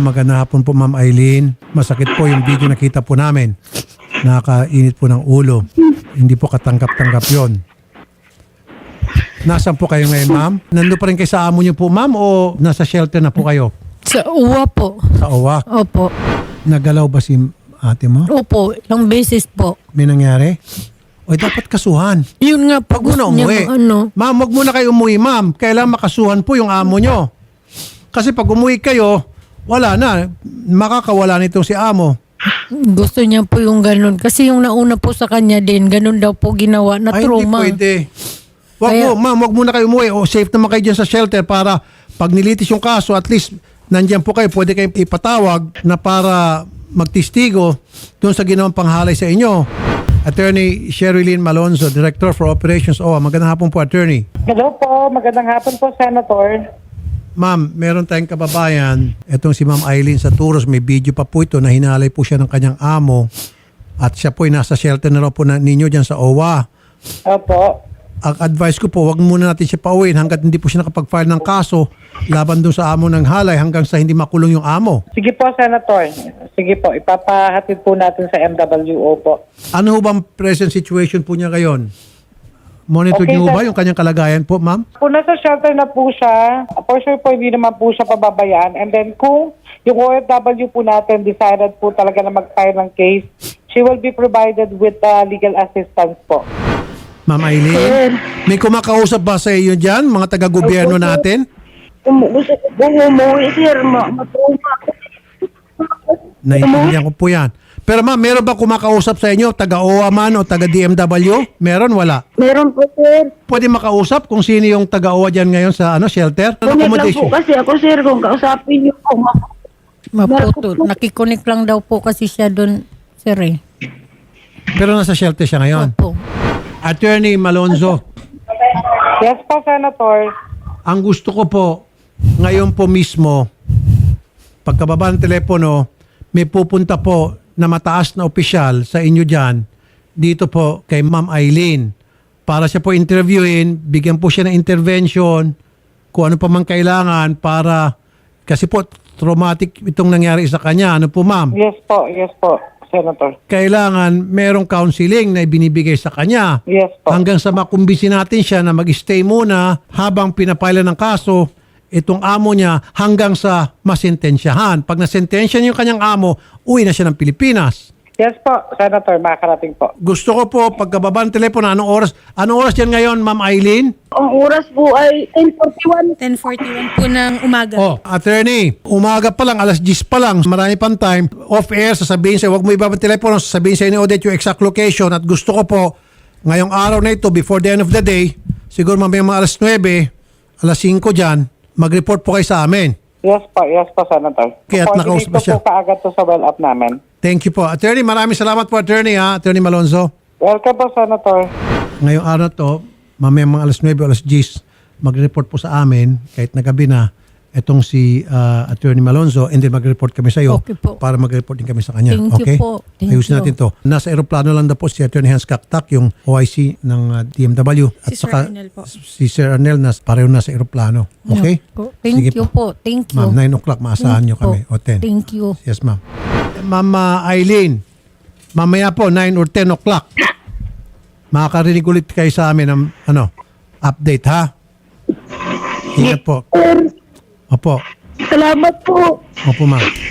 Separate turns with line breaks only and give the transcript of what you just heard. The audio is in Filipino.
Magandang hapon po, Ma'am Eileen. Masakit po yung video nakita po namin. Nakakainit po ng ulo. Hindi po katanggap-tanggap yon. Nasaan po kayo ngayon, ma'am? Nandun pa rin kayo sa amo niyo po, ma'am, o nasa shelter na po kayo?
Sa uwa po.
Sa OWA?
Opo.
Nagalaw ba si ate mo?
Opo, ilang beses po.
May nangyari? O dapat kasuhan.
Yun nga po,
Pag muna
gusto niya
umuwi. Ma'am, wag muna kayo umuwi, ma'am. Kailangan makasuhan po yung amo nyo. Kasi pag umuwi kayo, wala na. Makakawala nito si amo.
Gusto niya po yung ganun. Kasi yung nauna po sa kanya din, ganun daw po ginawa na
Ay, hindi
trauma.
pwede. Ma'am, wag muna kayo umuwi. O safe naman kayo dyan sa shelter para pag nilitis yung kaso, at least nandyan po kayo. Pwede kayong ipatawag na para magtistigo doon sa ginawang panghalay sa inyo. Attorney Sherilyn Malonzo, Director for Operations OWA. Magandang hapon po, Attorney.
Hello po, magandang hapon po, Senator.
Ma'am, meron tayong kababayan. Itong si Ma'am Eileen sa Turos. May video pa po ito na hinalay po siya ng kanyang amo. At siya po ay nasa shelter na raw po ninyo dyan sa OWA.
Opo.
Ang advice ko po, wag muna natin siya pauwiin hanggat hindi po siya nakapag-file ng kaso laban doon sa amo ng halay hanggang sa hindi makulong yung amo.
Sige po, Senator. Sige po, ipapahatid po natin sa MWO po.
Ano ho bang present situation po niya ngayon? Monitor
Okay,
niyo
sir.
ba yung kanyang kalagayan po, ma'am?
Kung nasa shelter na po siya, for sure po hindi naman po siya pababayaan. And then kung yung OFW po natin decided po talaga na mag-file ng case, she will be provided with legal assistance po.
Ma'am Eileen, may kumakausap ba sa iyo dyan, mga taga-gobyerno natin?
Gusto ko pong umuwi, sir. Matruma ako.
Naiintindihan ko po yan. Pero ma'am, meron ba kumakausap sa inyo, taga-OWA man o taga-DMW? Meron, wala?
Meron po, sir.
Pwede makausap kung sino yung taga-OWA dyan ngayon sa shelter?
Kunik lang po kasi ako, sir. Kung kausapin niyo po,
Maputol. Nakikonik lang daw po kasi siya doon, sir eh.
Pero nasa shelter siya ngayon.
Opo.
Attorney Malonzo,
Yes po, Senator.
ang gusto ko po, ngayon po mismo, pagkababa ng telepono, may pupunta po na mataas na opisyal sa inyo dyan, dito po kay Ma'am Eileen, para siya po interviewin, bigyan po siya ng intervention, kung ano pa man kailangan para, kasi po traumatic itong nangyari sa kanya. Ano po, ma'am?
Yes po, Senator.
Kailangan merong counseling na ibinibigay sa kanya.
Yes po.
Hanggang sa makumbisi natin siya na mag-stay muna habang pinapila ng kaso itong amo niya hanggang sa masentensyahan. Pag nasentensyahan yung kanyang amo, uwi na siya ng Pilipinas.
Yes po, Senator. Makakarating po.
Gusto ko po, pagkababa ng telepono, anong oras yan ngayon, Ma'am Eileen?
ang oras po ay 10:41.
10:41 po ng umaga.
Oh, attorney, umaga pa lang, alas 10 pa lang, marami pang time. Off-air, sasabihin sa'yo, huwag mo ibaba ng telepono, sasabihin sa'yo ni Odette yung exact location. At gusto ko po, ngayong araw na ito, before the end of the day, siguro mamaya mga alas 9, alas 5 dyan, mag-report po kayo sa amin.
Yes po, Senator.
Kaya at nakausap ba siya?
Po kaagad to sa well-up namin.
Thank you po. Attorney, maraming salamat po, attorney, ha? Attorney Malonzo.
Welcome po, Senator.
Ngayong araw na to, mamaya mga alas 9 o alas 10, mag-report po sa amin, kahit na gabi na, itong si Attorney Malonzo, and then mag-report kami sa iyo
Okay po.
para mag-report din kami sa kanya.
Thank you
Okay?
po. Thank
Ayusin
you.
natin to. Nasa aeroplano lang daw po si Attorney Hans Kaktak, yung OIC ng DMW. At
Si Sir
saka
Arnel po.
si Sir Arnel, pareho nasa aeroplano. Okay?
Opo. Thank
Sige
you po. Thank you.
Ma'am, 9 o'clock, maasahan nyo kami. O 10.
Thank you.
Yes, ma'am. Ma'am Eileen, mamaya po, 9 or 10 o'clock, makakarinig ulit kayo sa amin ng update, ha? Ingat po.
Sir,
Opo.
salamat po.
Opo, ma'am.